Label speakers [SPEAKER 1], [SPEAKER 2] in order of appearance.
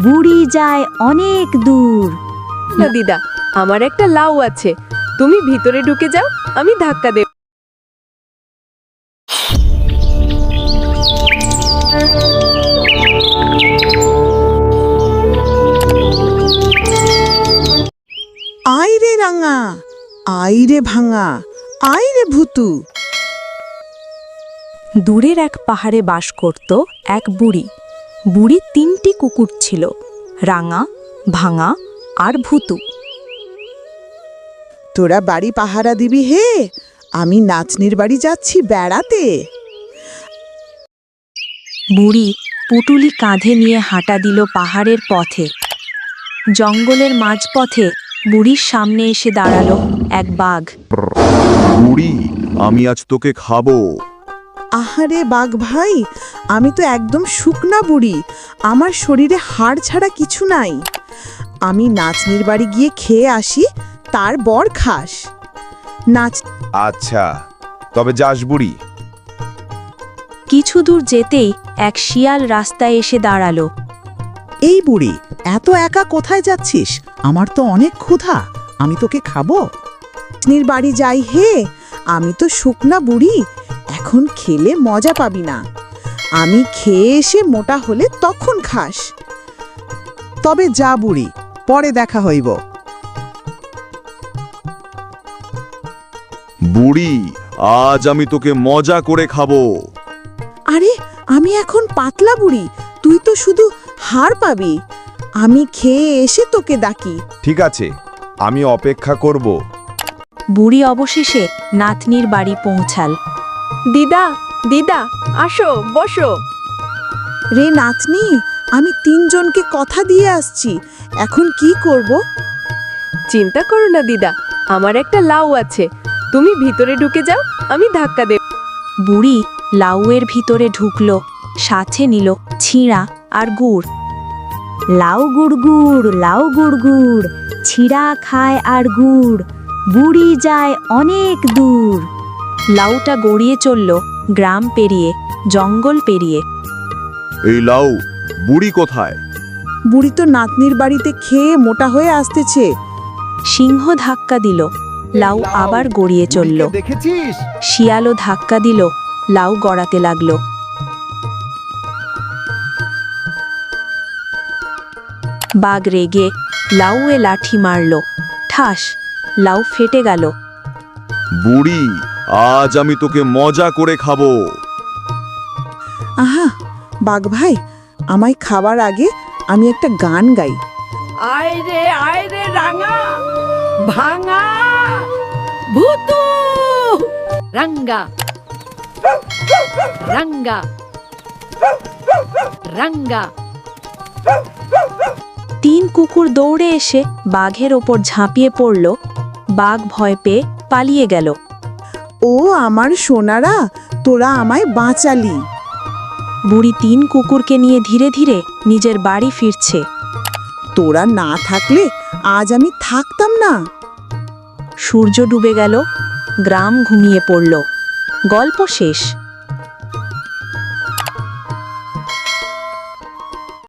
[SPEAKER 1] বুড়ি যায় অনেক দূর।
[SPEAKER 2] না দিদা, আমার একটা লাউ আছে, তুমি ভিতরে ঢুকে যাও, আমি ধাক্কা দেব।
[SPEAKER 3] আয় রে রাঙা, আয় রে ভাঙা, আয় রে ভূতু।
[SPEAKER 1] দূরের এক পাহাড়ে বাস করত এক বুড়ি। বুড়ির 3টি কুকুর ছিল, রাঙা, ভাঙা আর ভূতু।
[SPEAKER 3] তোরা বাড়ি পাহারা দিবি হে, আমি নাতনির বাড়ি যাচ্ছি বেড়াতে।
[SPEAKER 1] বুড়ি পুটুলি কাঁধে নিয়ে হাঁটা দিল পাহাড়ের পথে। জঙ্গলের মাঝপথে বুড়ির সামনে এসে দাঁড়ালো এক বাঘ।
[SPEAKER 4] বুড়ি, আমি আজ তোকে খাবো।
[SPEAKER 3] আহারে বাঘ ভাই, আমি তো একদম শুকনা বুড়ি, আমার শরীরে হাড় ছাড়া কিছু নাই। আমি নাতনির বাড়ি গিয়ে খেয়ে আসি, তারপর খাস। নাচ
[SPEAKER 4] আচ্ছা, তবে যাস বুড়ি।
[SPEAKER 1] কিছু দূর যেতেই এক শিয়াল রাস্তায় এসে দাঁড়ালো।
[SPEAKER 3] এই বুড়ি, এত একা কোথায় যাচ্ছিস? আমার তো অনেক ক্ষুধা, আমি তোকে খাবো। নাতনির বাড়ি যাই হে, আমি তো শুকনা বুড়ি, এখন খেলে মজা পাবি না। আমি খেয়ে এসে মোটা হলে তখন খাস। তবে যা বুড়ি, পরে দেখা হইব।
[SPEAKER 4] বুড়ি, আজ আমি তোকে মজা করে খাবো।
[SPEAKER 3] আরে আমি এখন পাতলা বুড়ি, তুই তো শুধু হাড় পাবি। আমি খেয়ে এসে তোকে ডাকি।
[SPEAKER 4] ঠিক আছে, আমি অপেক্ষা করব।
[SPEAKER 1] বুড়ি অবশেষে নাতনির বাড়ি পৌঁছাল।
[SPEAKER 2] দিদা, দিদা, আসো, বসো।
[SPEAKER 3] রে নাতনি, আমি 3 জনকে কথা দিয়ে আসছি, এখন কি করব?
[SPEAKER 2] চিন্তা করো না দিদা, আমার একটা লাউ আছে, তুমি ভিতরে ঢুকে যাও, আমি ধাক্কা দেব।
[SPEAKER 1] বুড়ি লাউয়ের ভিতরে ঢুকলো, সাথে নিল ছিঁড়া আর গুড়। লাউ গুড় গুড়, লাউ গুড় গুড়, ছিঁড়া খায় আর গুড়, বুড়ি যায় অনেক দূর। লাউটা গড়িয়ে চলল গ্রাম পেরিয়ে, জঙ্গল পেরিয়ে।
[SPEAKER 4] এই লাউ, বুড়ি কোথায়?
[SPEAKER 3] বুড়ি তো নাতনির বাড়িতে খেয়ে মোটা হয়ে আসতেছে।
[SPEAKER 1] সিংহ ধাক্কা দিল, লাউ আবার গড়িয়ে চলল।
[SPEAKER 4] দেখেছিস?
[SPEAKER 1] শিয়ালও ধাক্কা দিল, লাউ গড়াতে লাগলো। বাঘ রেগে লাউয়ে লাঠি মারল, ঠাস, লাউ ফেটে গেল।
[SPEAKER 4] বুড়ি, আজ আমি তোকে মজা করে খাবো।
[SPEAKER 3] আহা বাঘ ভাই, আমায় খাবার আগে আমি একটা গান গাই।
[SPEAKER 5] আয় রে রাঙা, ভাঙা, ভূতু, রঙ্গা, রঙ্গা, রঙ্গা।
[SPEAKER 1] 3 কুকুর দৌড়ে এসে বাঘের ওপর ঝাঁপিয়ে পড়ল। বাঘ ভয় পেয়ে পালিয়ে গেল।
[SPEAKER 3] ও আমার সোনারা, তোরা আমায় বাঁচালি।
[SPEAKER 1] বুড়ি 3 কুকুরকে নিয়ে ধীরে ধীরে নিজের বাড়ি ফিরছে।
[SPEAKER 3] তোরা না থাকলে আজ আমি থাকতাম না।
[SPEAKER 1] সূর্য ডুবে গেল, গ্রাম ঘুমিয়ে পড়ল। গল্প শেষ।